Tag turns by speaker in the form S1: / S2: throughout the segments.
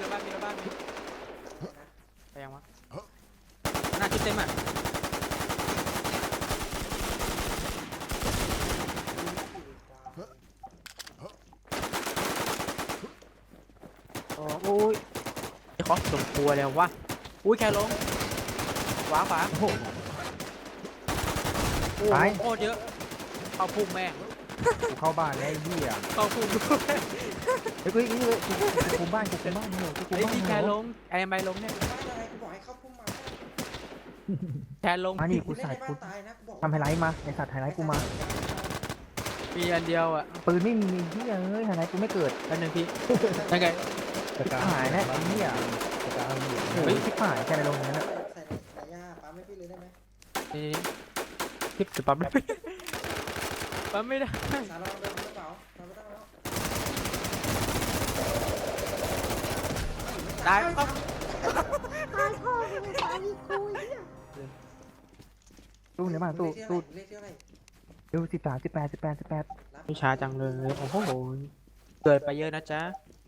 S1: ละบ้านมีละบ้านไปยังวะหน้าชุดเต็มอ่ะโอ้ยไอ้คอสสมควรแล้ววะอุ้ยแค่ลงขวาขวาโอ้โหโคตรเยอะเข้าพุ่งแม่ง
S2: กูเข้าบ้านแล้วไอ้เหี้ย
S1: เข้าพุ่งด้วย
S2: เฮ้ยกูคุมบ้านเหรอกูคุ
S1: ไอ้
S2: มบ้าน
S1: ที่
S2: เห
S1: แค
S2: รอ
S1: ลงไอ้ไม่ลงเนี่ย
S3: บ้านอะไรกูบอกให้เข้าพุ่มมา
S1: แคลง
S2: มานี่กู
S3: เล่น
S2: ใส่
S3: ในบ้า
S2: กู
S3: นตายนะกูบอก
S2: ทำไฮไลท์มาไอสัตว์ไฮไลท์กูมา
S1: มีอันเดียวอ่ะ
S2: ปืนไม่มีเหี้ยเอ้ยไฮไลท์กูไม่เกิด
S1: อันหนึ่งพี่ยังไง
S2: หายแล้วไอ้เหี้ยเฮ้ยชิบหายแค่ในโรงนั้นอะ
S3: ใส่ในย่าปั๊มให้พี่เลยได้ไหม
S1: นี่ทิปจะปั๊มได้ปั๊มไม่ได้
S3: สารเราเดินกระเป๋าเราไม่ต้องแล้ว
S1: ตายปั๊ม
S2: ตู้ในบ้านตู้
S3: เลขที่อะไร
S2: ดู13 18
S1: ไม่ช้าจังเลยโอ้โหเกิดไปเยอะนะจ๊ะ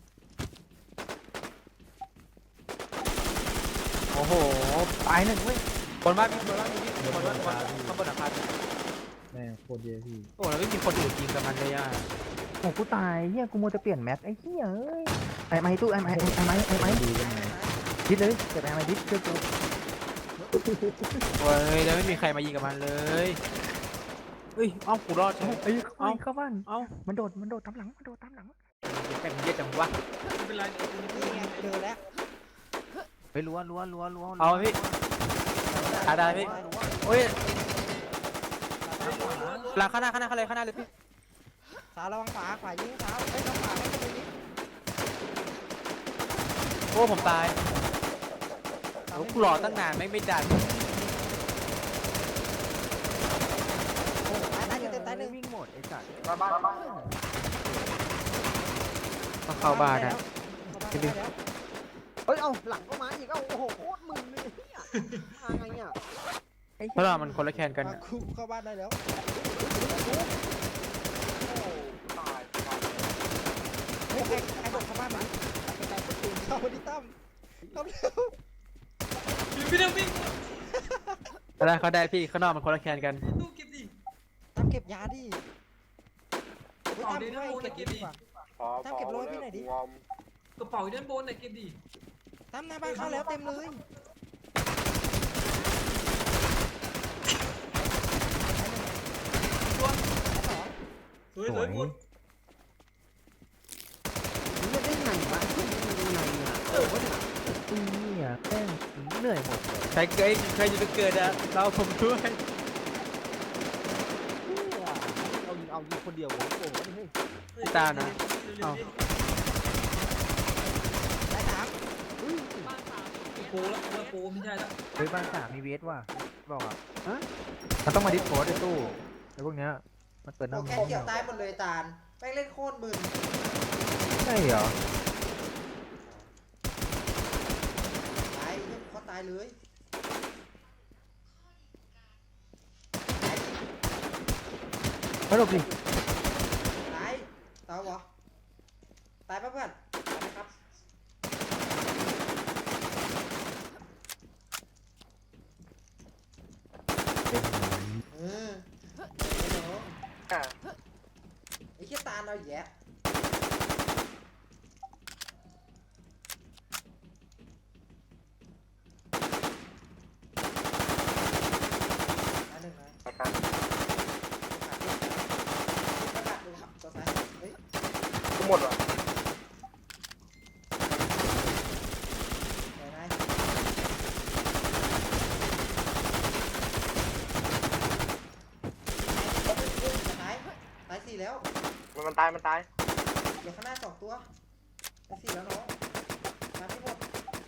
S1: โอ้โห
S2: ตายหนึ่งเว้ย
S1: บนบ้านมีบนบ้านข้างบนอาคาร
S4: แม่โคตรเยอะพี่
S1: โอ้แล้วไม่มีคนอื่นยิงกับมันเลยอ่ะ
S2: โอ้กูตายเหี้ยกูมัวจะเปลี่ยนแม็กไอ้เหี้ยเอ้ยไอ้ไม้ตู้ไอ้ไม้
S4: ดีกันไง
S2: ดิดเลยเก็บไอ้ไม้ดิดเชื่อกู
S1: โอ้ยแล้วไม่มีใครมายิงกับมันเลยเฮ้ยเอ้ากูรอดใช่ไหม
S2: เอ้ยเข้าบ้าน
S1: เอ้า
S2: มันโดดตามหลังมันโดดตามหลัง
S1: แม่งเยอะจังวะ
S3: นี่ไงเจอแล้ว
S2: ไปรัว
S1: เอาพี่ได้พี่โอ้ยหลังข้างหน้าเลยพี่
S3: สาวระวังขวายิงสาวเฮ้ยระวังขวาให้คนนี้
S1: โอ้ผมตายโอ้กูรอตั้งนานไม่ดัน
S3: ตายอยู่เต็มตายหนึ่ง
S2: วิ่งหมดไอ้สัตว์
S1: ต้องเข้าบ้านนะ
S3: เฮ้ยเอาหลังก็มาอีกเอ้าโอ้โหโคตรมึนเลยเนี่ยมาไงเนี่ย
S1: เพราะเรามันคนละแคนกัน
S3: คุเข้าบ้านได้แล้วเฮ้ยใครโดดเข้าบ้านมาเข้ามาดิตั้มเข้าเร็ว
S1: เขาได้พี่ข้างนอกมันคนละแคนกัน
S3: ตั้มเก็บยาดิตั้มให้เก็บดีกว่าตั้มเก็บโรยพี่หน่อยดิ
S5: กระเป๋าอยู่ด้านบนน่ะเก็บดิ
S3: ตั้มหน้าบ้านเข้าแล้วเต็มเลย
S5: สวยหมด
S3: นี่ได้ไงวะยังไงอ่ะ
S2: นี่แป้งเหนื่อยหมดเลย
S1: ใครจะไปเกิดอะเราผมด้วย
S3: เอายิงคนเดียวโอ้โหเฮ้ย
S1: ตานะเอา
S3: ได้สาม
S5: โปแล้วโปไม่ใช่แล้ว
S2: เฮ้ยบ้าน3มีเวสว่ะบอกอ่ะมันต้องมาดิสโพสไอ้ตู้ไอ้พวกเนี้ยมันเปิดหน้า
S3: แค่เกี่ยวตายหมดเลยตาลแม่งเล่นโคตรมึน
S2: ใช่เหรอ
S3: ตายเขาตายเลย
S2: มาหลบดิ
S3: ตายตายวะตายป่ะเพื่อนตายไหมครับเออไอ้เหี้ยตาลเราแย่หนึ่งนะประกาศดูครับตัวซ้ายเฮ้ย
S4: ทั้งหมดวะ
S3: ไหนไหนตายสี่แล้ว
S4: มันตาย
S3: เดี๋ยวข้างหน้า2 ตัวตายสี่แล้วน้องมาที่หมด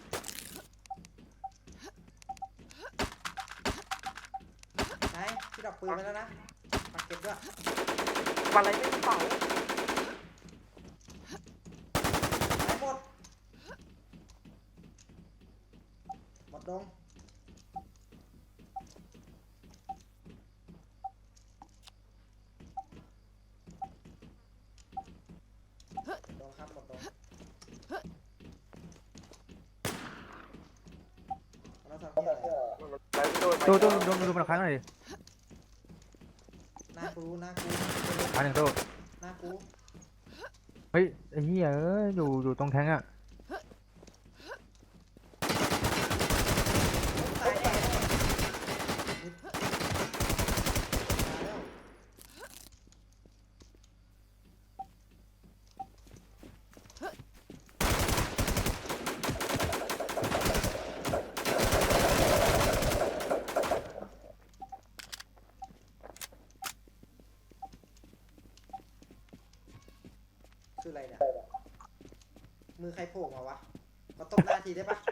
S3: ไหนพี่ดอกปืนไปแล้วนะปักเก็บด้วย
S4: อะไรไม่เป่า
S3: ตายหมดดงดงครับหมดดงเราทำเหี้ยอะไร
S4: ไปพี่ตู้
S2: ตู้ดูมันครั้งหน่อยดิ
S3: หน้ากูหน้ากู
S2: ครั้งหนึ่งตู้
S3: หน้ากู
S2: เฮ้ยไอ้เหี้ยอยู่ตรงแทงอ่ะ
S3: ตายแน่ตายแล้ว คืออะไรเนี่ย มือใครโผล่มาวะมาตบหน้าทีได้ปะ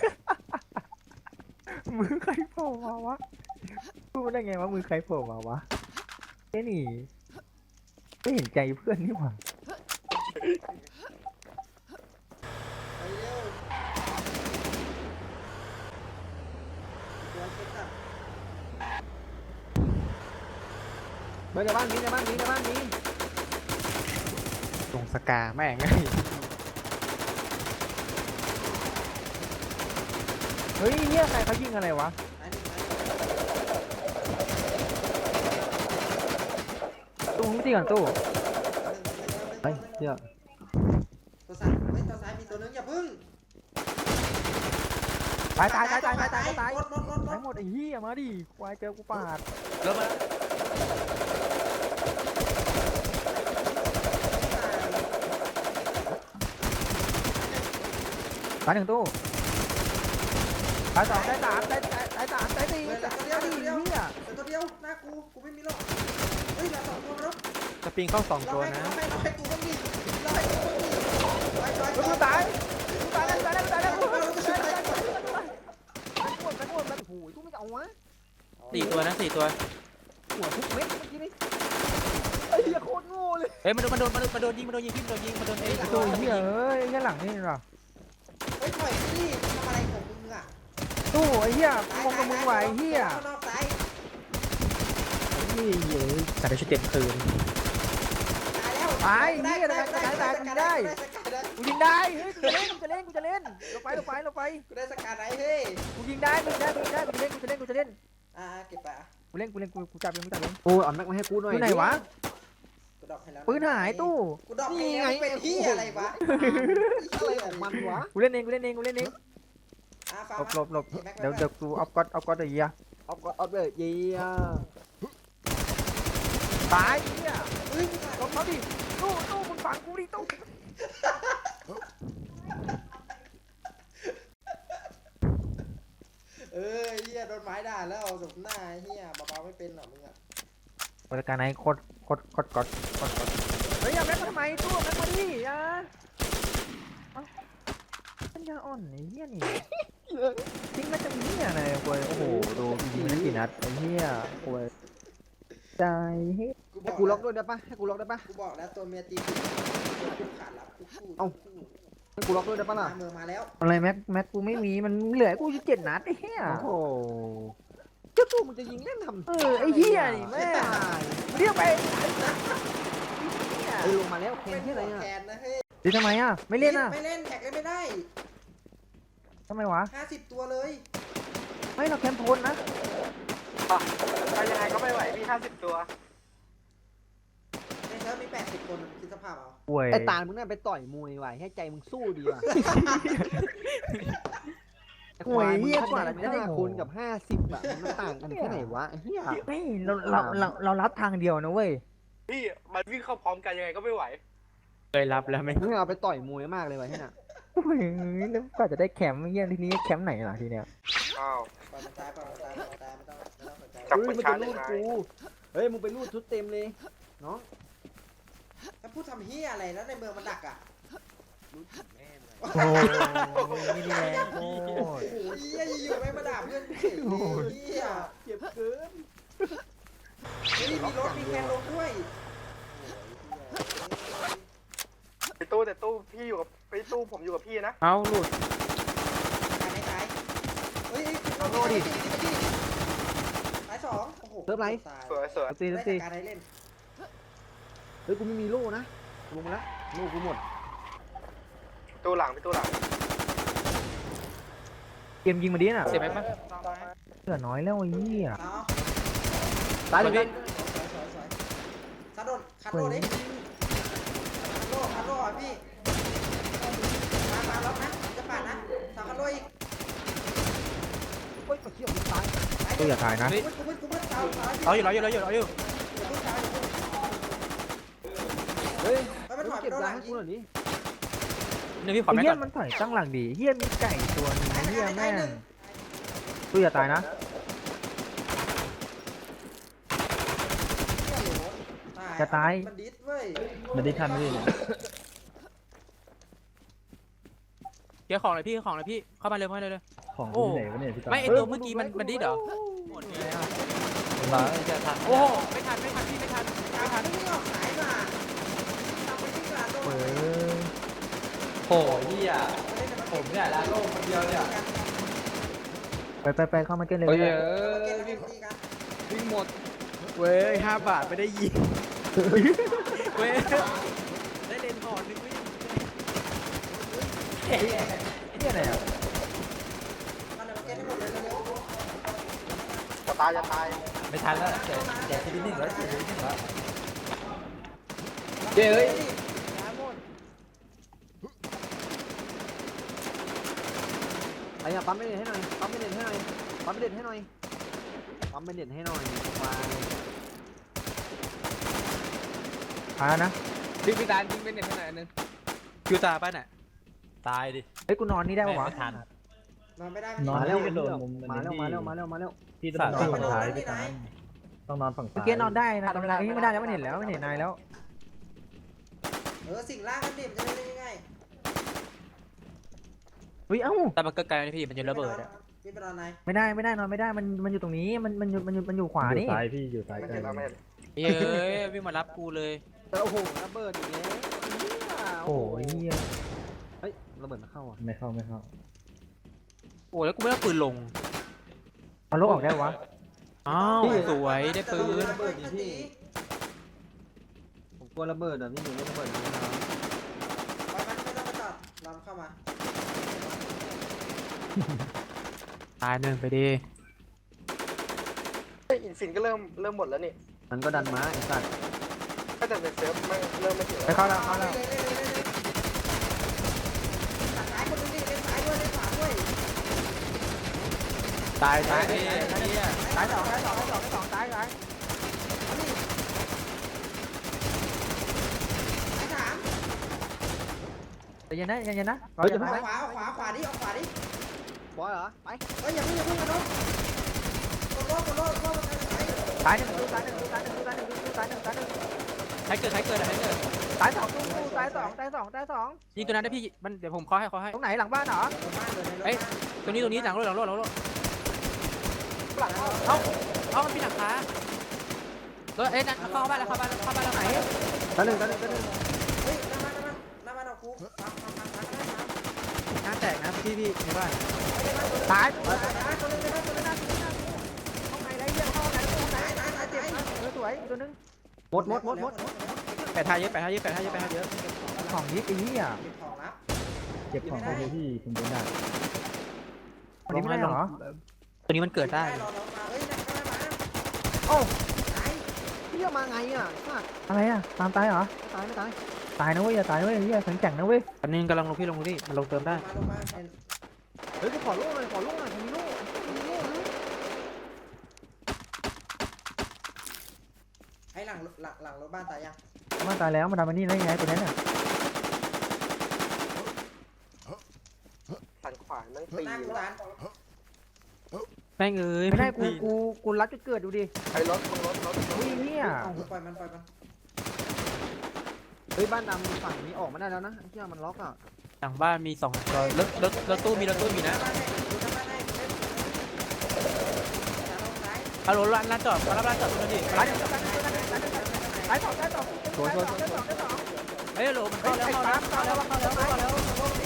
S2: มือใครโผล่มาวะพูดได้ไงว่ามือใครโผล่มาวะเอ้นี่ไม่เห็นใจเพื่อนนี่หว่า
S3: ไปเร็วตัวเช็คอะ
S2: ในบ้านนี้ตรงสกาแม่งไงเฮ้ยเหี้ยใครเขายิงอะไรวะ
S3: ไอ้หนึ่งไอ้
S2: ตู้ตีก่อนตู้
S3: หนึ่ง
S2: เฮ้ยเหี้ย
S3: ตัวซ้ายเฮ้ยตัวซ้ายมีตัวนึงอย่าพึ่ง
S2: ตาย
S3: หมด
S2: ตายหมดไอ้เหี้ยมาดิควายเจอกูปาด
S1: เริ่มมาแล้ว
S2: ตายหนึ่งตู้ตายสองตายสามตายสี่
S3: เหลือ
S2: ตาย
S3: ตัวเดียว
S2: สี่
S3: เหลือ
S2: เหี้ย
S3: ตัวเดียวหน้ากูไม่มีหรอกเฮ้ยเหลือสองตัวแล้ว
S1: สปริงเข้า2 ตัวนะ
S3: เราให้กูบ้างดิเราให้กูบ้างดิไป
S2: กูตายแล้ว
S3: เราจะช่วยไป
S2: โอ้โหกูไม่เอาวะ
S1: 4 ตัวนะ4 ตัว
S2: หัวทุกเม็ดเมื่อกี้นี่ไอ้เหี้ยโคตรโง่เลย
S1: เฮ้ยมันโดนยิงพี่มันโดนยิงมันโดนไอ้
S2: ตู้เหี้ยเอ้ยแค่หลังนี่หรอ
S3: เฮ้ยถอยดิทำอะไรของมึงอ่ะ
S2: ตู้ไอ้เหี้ยมองกับมึงไหวเหี้ย
S3: ข้างนอกซ้าย
S2: เหี้ย
S1: แต่ได้ชุดเต็มคืน
S3: ตายแล้ว
S2: ได้กูยิงได้เฮ้ยกูจะเล่นเราไป
S3: กูได้สกัดไหนเฮ้ย
S2: กูยิงได้กูจะเล่น
S3: เก็บไป
S2: กูจับเอง
S4: โอ้ยเอาแม็กมาให้กูหน่อย
S2: อยู่ไหนวะ
S3: กูดอกให้แล้ว
S2: ปืนหายตู้
S3: กูดอกให้แล้วเป็นที่อะไรวะ
S4: อะไรของมันวะ
S2: กูเล่นเองหลบเดี๋ยวกูเอาก๊อตไอ้เหี้ย
S4: เอาเลยเยี่ย
S2: ตายเหี้ย
S3: เฮ้ย
S2: หลบเขาดิตู้มึงฝังกูดิตู้
S3: เฮียโดนไม้ด่าแล้วสมหน้าเฮียเบาๆไม่เป็นหรอมึงอ่ะ
S2: บริการไหนโคตรก๊อตเฮ้ยอย่าแม็กมาทำไมตู้แม็กมาดิปัญญาอ่อนไอ้เหี้ยนี่ทิ้งแม็กจะมีเหี้ยอะไรกูโอ้โหดูยิงมันกี่นัดไอ้เหี้ยกูใจเฮ้ย
S4: ให้กูล็อกด้วยได้ปะให้กูล็อกได้ปะ
S3: กูบอกแล้วตัวเมียตีกูขาดรับกูพูด
S4: ให้กูล็อกด้วยได้ปะล่ะ
S3: เมือมาแล้ว
S2: อะไรแม็กกูไม่มีมันเหลือกู7 นัดไอ้เหี้ย
S4: โอ้โหเจ้าตู้มึงจะยิงเล่นทำ
S2: ไอ้เหี้ยนี่แม่เรียกไป
S4: ไอ้ลงมาแล้วแคนที่อะไรอ่ะ
S3: แคนนะเฮ้ย
S2: ดิทำไมอ่ะไม่เล่นอ่ะ
S3: ไม่เล่นแท็กเลยไม่ได้
S2: ทำไมวะ
S3: 50 ตัวเลย
S2: ไม่เราแคมโพนนะ
S4: ไปยังไงก็ไม่ไหวพี่50 ตัว
S3: ในเซิร์ฟมี80 คนคิดสภาพเอา
S2: ป่วย
S4: ไอ้ตาลมึงน่าไปต่อยมวยว่ะให้ใจมึงสู้ดีว่ะไอ้ควายมึงขนาด5 คนกับ50อ่ะมันต่างกันแค่ไหนวะไอ้เหี้ย
S2: ไม่เรารับทางเดียวนะเว้ย
S4: พี่มันวิ่งเข้าพร้อมกันยังไงก็ไม่ไหว
S1: เคยรับแล้วไหม
S4: มึงเอาไปต่อยมวยมากเลยว่ะที่น่ะ
S2: โอ้ยแล้วก็จะได้แคมป์เงี้ยทีนี้แคมป์ไหนล่ะทีเนี้ย
S4: อ้าว
S3: ปล่อยมันตายไม่ต้องสนใจ
S4: จับมันจะรูดกูเฮ้ยมึงไปรูดชุดเต็มเลยน้อง
S3: ถ้าพูดทำเฮียอะไรแล้วในเมืองมันดักอ่ะ
S2: โอ้ยไม่ดีแรงโอ้ย
S3: โอ้โหเฮียอยู่ๆไม่มาด่าเพื่อนเฉยเฮีย
S4: เจ็บเกิน
S3: เฮ้ยมีรถมีแคนลงด้วย
S4: ไปตู้แต่ตู้พี่อยู่กับไปตู้ผมอยู่กับพี่นะ
S1: เอาหลุด
S3: ตายไม่ตายเฮ้ยเอาโลดิตาย2โอ้โห
S4: เซิร์ฟไร
S3: ตาย
S4: สวยสวย
S2: ตี
S3: ได้
S2: ตี
S3: การให้เล่น
S4: เฮ้ยกูไม่มีโล่นะลงมาแล้วโล่กูหมดตู้หลังไปตู้หลัง
S2: เกมยิงมาดิน่ะ
S1: เสียไหมปะ
S2: เหลือน้อยแล้วไอ้เหี้ย
S3: เอา
S4: ตายเลยพี่
S3: สวยคัดโดดคัดโดดดิคัดโดดอ่ะพี่มาล็อกนะจะปาดนะสาวคัดโดดอีก
S4: โอ้ยเขี้ยวตาย
S2: ตัวอย่าตายนะ
S3: กูมืดสาว
S1: เราอยู่
S4: เฮ้ย
S3: มันถอยไป
S4: เก็บ
S3: โดนห
S4: ยา
S3: ลัง
S4: ให้
S3: ยิ
S4: กู
S3: ง
S4: หน่อยดิ
S1: นี่พี่ขอ
S2: ไอ้
S1: แม่
S2: เหี้
S1: ก่
S2: ย
S1: อน
S2: มันถอยตั้งหลังดีเหี้ยมีไก่ตัวนึงเหี้ยแม่งตัวอย่าตายนะ จะตาย
S3: มันดิสเว้ย
S2: มันได้ทันไม่ได้เลย
S1: เกี่ยวของเลยพี่เข้ามาเร็วเลย
S2: ของ
S1: โอ้
S2: ที่ไหนวะเนี่ยพี่ตา
S1: ไม่ไอตัวเมื่อกี้มันดิ้นเหรอหมดเลยอะโอ้โหไม่ทันพี่ไม่ทัน
S3: ไม่ออกสายมาทำไปที่กลางโดน
S2: เออ
S5: โหเฮียผมเนี่ยลาโลกคนเดียวเนี่ย
S2: ไปเข้ามาเต้นเลย
S5: เฮ้ย
S3: ตีกัน
S5: วิ่งหมด
S1: เว้ย5 บาทไม่ได้ยิงเว้ยได้เลนก่อนนึงไม่
S2: เหี้ยไหนอ่ะ
S3: มันเกมให้หมดเลยเร็ว
S4: จะตายจะตาย
S5: ไม่ทันแล้วแจกทีนิดหนึ่งแล้วทีนิดหนึ่งแล้วเฮ้ย
S4: ไอ้เนี่ยปั๊มไม่เด็ดให้หน่อยปั๊มไม่เด็ดให้หน่อยปั๊มไม่เด็ดให้หน่อยปั๊มไม่เด็ดให้หน่อยวาย
S2: พานะ
S5: พี่ตาลยิงเป็นเน็ตขนาดนึง
S1: คิวตาป้าน่ะ
S5: ตายดิ
S2: เฮ้ยกูนอนนี่ได้ปะวะ
S5: ไม่ทัน
S3: นอนไม่ได้
S2: นอน
S4: มา
S2: แล้
S4: แล้ว ว
S2: กระโดด
S4: มาแล้ว
S2: พี่ต้องนอนฝั่งซ้ายพี่ตาต้องนอนฝั่งซ้ายเมื่อกี้นอนได้นะตอนนี้ไม่ได้แล้วมันเห็นแล้วมันเห็นนายแล้ว
S3: สิ่งล่างกันดิมันจะได้ยังไง
S2: วิเอ้า
S1: แต่มันเกิดไกลนะพี่มันจะระเบิดอะ
S3: พี่ไปนอนไหน
S2: ไม่ได้นอนไม่ได้มันอยู่ตรงนี้มันอยู่ขวานี่
S6: ซ้ายพี่อยู่ซ้ายกัน
S1: เฮ้ยวิ่งมารับกูเลย
S4: โอ้โหระเบิดอีกแล้ว
S2: โอ้ยเหี้ย
S4: เฮ้ยระเบิดมาเข้าอ่ะ
S6: ไม่เข้า
S1: โอ้แล้วกูไม่ได้ปืนลง
S2: เอารถออกได้วะ
S1: อ้าวสวยได้ปืน
S3: ระเบิดพี่
S4: ผมกลัวระเบิดอ่ะพี่หนูไม่ระเบิดนะ
S3: ไปมันไม่ต้องไปจอดลำเข้ามา
S1: ตายหนึ่งไปดิ
S7: อินฟินก็เริ่มหมดแล้วนี่
S4: มันก็ดันมาไอ้สัตว์
S7: ก็แต่เป็นเซิร์ฟไม่เริ่มไม่ถึง
S2: ไปเข้าแล้ว
S3: ตัดซ้ายคนนึงดิเล่นซ้ายด้วยเล่นขวาด้วย
S1: ตาย
S2: ตายสองตาย
S3: ซ้ายสาม
S2: ใจเย็นนะ
S3: ขวาดิออกขวาดิ
S4: บอยเหรอไป
S3: เฮ้ยอย่าเพิ่งกันน้องกดโลมันซ้าย
S2: ตายหนึ่ง
S1: ใครเกิดอะไรใครเกิด
S2: ตายสอง
S1: ยิงตัวนั้นได้พี่มันเดี๋ยวผมเคาะให้
S2: ตรงไหนหลังบ้านเหรอ
S1: ตัวนี้หลังรถเอามันมีหลังคาเอ้ยนั่นเข้าบ้านแล้วไหน
S4: ตาหนึ่ง
S3: เฮ้ยน้ำมันเอาคูทำ
S1: น้าแตกนะพี่ในบ้าน
S2: ตาย
S3: ตัวนึง
S2: ห้องไหนไรเหี้ยห้องไหนเจ็บสวยตัวนึง
S4: หมด
S1: แปดทายเยอะ
S2: ของยิบไอ้เหี้ย
S3: เก็บของรับ
S6: เก็บของพี่ผมโดนด่า
S2: วันนี้ไม่ได้เหรอ
S1: ตัวนี้มันเกิดได้
S3: รอน้องมาเฮ้ยนั่งมา
S4: โอ้
S3: ตาย
S4: พี่จะมาไงอ่ะสัตว์
S2: อะไรอ่ะตามตายเหรอ
S4: ไม่ตาย
S2: ตายนะเว้ยอย่าตายเว้ยเหี้ยแข็งนะเว้ย
S1: อันนี้กำลังลงพี่มันลงเติมได้
S3: ลงมา
S4: เฮ้ยกูขอลูกหน่อยมีลูก
S3: ให้หลังรถบ้านตายยัง
S2: มันตายแล้วมันทำมันนี่ได้ไงตัวนั้นน่ะ
S7: สันขวานนั่งตี
S3: หน้ากูร้าน
S1: แม่งเอ้ย
S2: ไม่ได้กูรัดจุดเกิดดูดิ
S7: ไอ้รถ
S2: อุ้ยเหี้ย
S3: ปล่อยมัน
S4: เฮ้ยบ้านดำฝั่งนี้ออกมาได้แล้วนะไอ้เหี้ยมันล็อกอ่ะ
S1: หลังบ้านมี2ตัวรถตู้มีนะเอารถร้านจอดร้านจอดตัวนี้
S2: ตายสอง
S1: เฮ้ยโหลมันเข้าแล้วเข้า2ตัวร้านจอดร้านจอด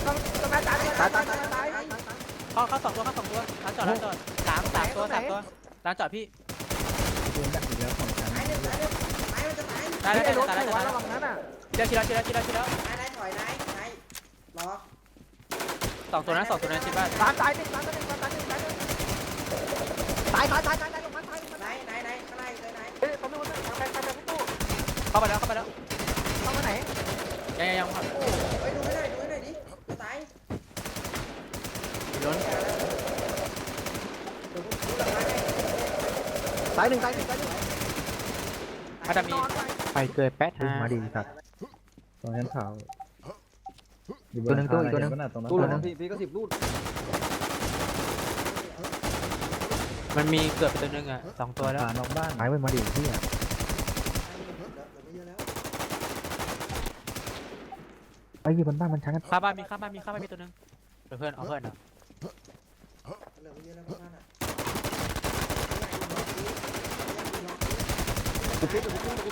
S1: ร้านจอดพี่
S6: โดนดักอีกแล้วของฉัน
S1: ได้
S2: รถไหนวะระวังนั้นอ่ะ
S1: ทีแล้ว
S3: นายถอยนายรอ
S1: 2ตัวนั้นชิดบ้าน
S2: ตายหนึ่ง
S4: ตายลงมาตาย
S3: ไหนข้างในเลยไหน
S7: เฮ้ยตอนนี้วันนั้นไปพี่ตู้
S1: เข้าไปแล้ว
S4: เข้ามาไหน
S1: ยังครับ
S3: โอ้ไปดูให้หน่อยดิจะตาย
S1: ล้น
S3: เดี๋ยวผมดูหลังมาให้
S4: ตายหนึ่ง
S1: อาจจะมีไปเกิดแป๊ด
S2: อุ้ยมาดีสัตว์
S6: ตรงชั้นขาวอยู่บ
S2: ตัวหนึ่งตู้อีกตัวหนึ่ง
S6: เห็ปะะตรงนั้น
S4: ตู้
S6: ตัว
S4: ล
S6: นึ
S4: ง
S6: ง
S4: พี่ก็10 ลูก
S1: มันมีเกิดไปตัวนึงอ่ะ2 ตัวแล้ว
S6: ผ่านนอกบ้าน
S2: หายไปมาดีที่อ่ะ
S3: เดี๋ยวไม่เยอะแล้ว
S2: ไอ้ยี่บนบ้านมันชั้นกัน
S1: ข้าบ้านมีตัวนึงเพื่อนเอาเพื่อนอ่ะ
S3: เหลือไม่เยอะแล้วบ้านอ่ะ
S4: กูปิ้ง
S3: ตาย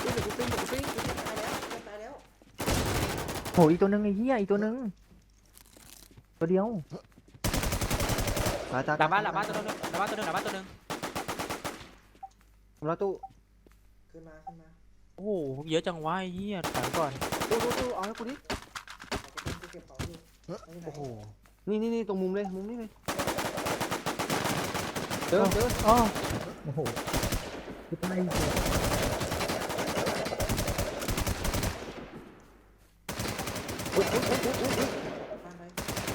S3: แล้ว
S2: โหอีกตัวหนึ่งไอ้เหี้ยอีกตัวหนึ่งตัวเดียว
S4: ตาย
S1: หลังบ้านตัวนึง
S4: แล้วตู้
S3: ขึ้นมา
S1: โอ้โหเยอะจังวะไอ้เหี้ยถอยก่อน
S4: ตู้เอาให้กูดิ
S3: กูเก็บของอยู่
S1: โอ้โห
S4: นี่ตรงมุมเลยเจอ
S2: อ๋อ
S6: โอ้โหคือไป
S3: บ้านไหน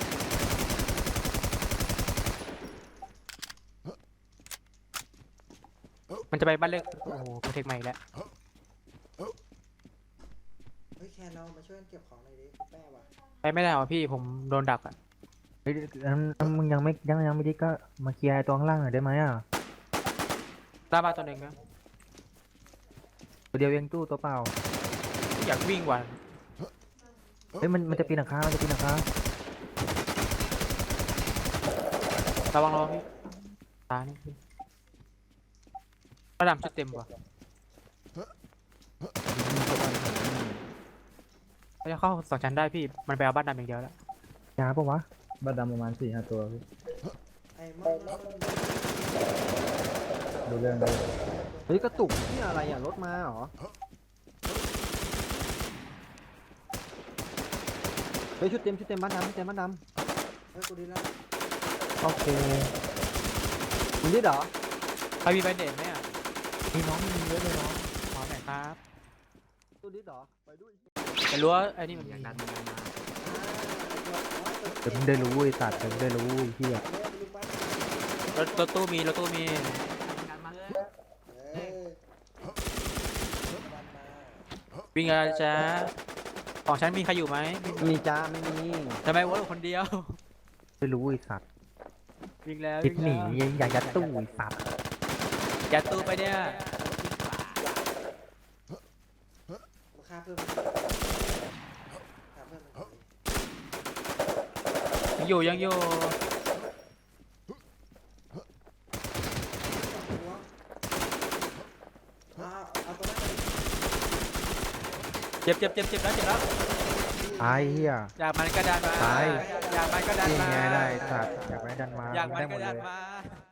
S1: มันจะไปบ้านเล็กโอ้โหโปรเทคใหม่แล้ว
S3: เฮ้ยแคนเรามาช่วยเก็บของหน่อยดิแป้ว่ะ
S1: ไปไม่ได้หรอพี่ผมโดนดักอ่ะ
S2: เฮ้ยมึงยังไม่ได้ก็มาเคลียร์ไอ้ตัวข้างล่างหน่อยได้ไหมอ่ะ
S1: หน้าบ้านตัวนึงนะ
S2: ตัวเดียวเองตู้ตัวเปล่า
S1: อยากวิ่งว่ะ
S2: เฮ้ยมันจะปีนหลังคา
S1: ระวังพี่ตานี่พี่ระดับชุดเต็มว่ะเขาจะเข้า2 ชั้นได้พี่มันไปเอาบ้านดำอย่างเดียวแล้ว
S2: ยาปะวะ
S6: บ้านดำประมาณ4-5 ตัวพี่
S3: ไอ้มัน
S6: ดูเรื่องเลย
S4: เฮ้ยกระตุกนี่อะไรอ่ะรถมาเหรอเฮ้ยชุดเต็มบ้านดำ
S3: เฮ้ยกูดีแล้ว
S2: โอเค
S4: มึงดิเหรอ
S1: ใครมีใบเด่นไหมอ่ะ
S2: มีน้องมีเยอะเลยน้อง
S1: ขอหน่อยครับ
S4: ตู้ดิเหรอไปด้วย
S1: แต่รู้ว่าไอ้นี่มันมี
S2: เดี๋ยวมึงได้รู้ไอ้สัตว์เดี๋ยวมึงได้รู้ไอ้เหี้ย
S1: รถตู้มี
S3: เออ
S1: วิ่งอะไรจ๊ะของฉันมีใครอยู่ไหม
S4: มีจ้าไม่มี
S1: ทำไมวะคนเดียว
S2: ได้รู้ไอ้สัตว์
S1: วิ่งแล้ว
S2: คิดหนีอย่ายัดตู้ไอ้สัตว์
S1: ยัดตู้ไปเนี่ย
S3: มาฆ่าเพิ่มมัน
S1: ยังอยู่
S3: เอาตัวนั้น
S1: เจ็บแล้ว
S2: ตายเหี้ย
S1: อยากมันก็ดันมา
S2: ตาย
S1: อยากมันก็ดัน
S2: นี่
S1: มา
S2: ไงได้สัตว์อยากได้ดันมา
S1: อยากมัน
S2: ได้หม
S1: ก็
S2: ดเล
S1: ดัน
S2: ย
S1: มา